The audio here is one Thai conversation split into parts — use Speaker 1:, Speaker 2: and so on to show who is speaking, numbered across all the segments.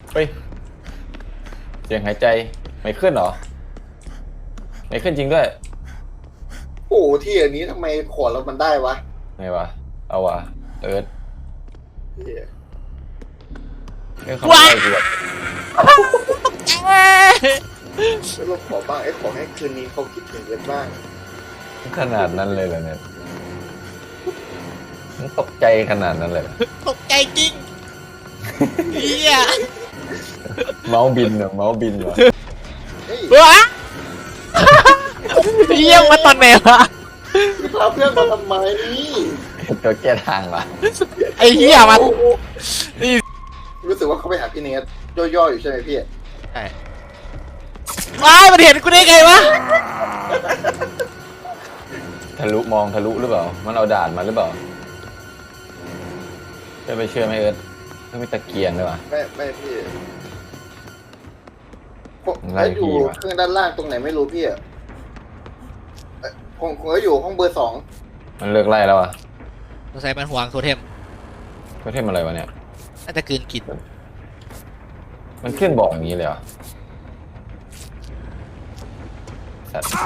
Speaker 1: เฮ้ยเสียงหายใจไม่ขึ้นเหรอไม่ขึ้นจริงด้วย
Speaker 2: โอ้ที่อันนี้ทำไมขวดเรามันได้วะ
Speaker 1: ไงวะเอาวะเอิร์ธเรื่องคำใบ้กูแบบ
Speaker 2: แล้วเราขอบ้างขอให้คืนนี้เขาคิดถึงกันบ้าง
Speaker 1: ขนาดนั้นเลยเหรอเนี่ยมันตกใจขนาดนั้นเลย
Speaker 3: ตกใจจริงเฮีย
Speaker 1: เมาส์บินเหรอเมาส์บินเหรอ
Speaker 3: ว้าเยี่ยมมาตอนไหนวะ
Speaker 2: พาเพื่อนมาทำไม
Speaker 1: ตัวแก้ทางวะ
Speaker 3: ไอ้เหี้ยมัน
Speaker 2: รู้สึกว่าเขาไปหาพี่เนสย่อๆอยู่ใช่ไหมพี่
Speaker 3: ใช่ว้ายมันเห็นกูได้ไงวะ
Speaker 1: ทะลุมองทะลุหรือเปล่ามันเอาด่านมาหรือเปล่าจะไปเชื่อไหมเอิร์ธไม่มีตะเกียงด้วยวะ
Speaker 2: ไม่พี่แล้วอยู่เครื่องด้านล่างตรงไหนไม่รู้พี่ผมก็อยู่ห้องเบอร์2
Speaker 1: มันเลิกไล่แล้วอ่ะ
Speaker 3: สงสัยมันห่วงโทเทม
Speaker 1: โทเทมอะไรวะเนี่ย
Speaker 3: น่าจะกลืนกิน
Speaker 1: มันขึ้นบอกอย่างนี้เลยเหรอสัตว์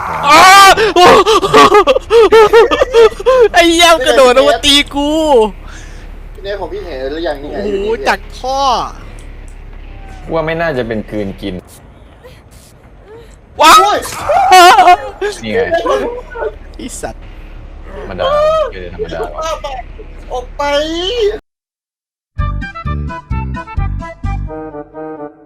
Speaker 3: ไอ้เหี้ยกระโดดลงมาตีกู
Speaker 2: พี่เนสของพี่เห็นหรือยังนี่ไง
Speaker 3: โอ้โหจากท่อ
Speaker 1: ว่าไม่น่าจะเป็นคืนกิน
Speaker 3: ว้าว
Speaker 1: นี่ไง
Speaker 3: ไอ้สัตว์
Speaker 1: ธรรมดาคือธรรมดา
Speaker 2: ออกไป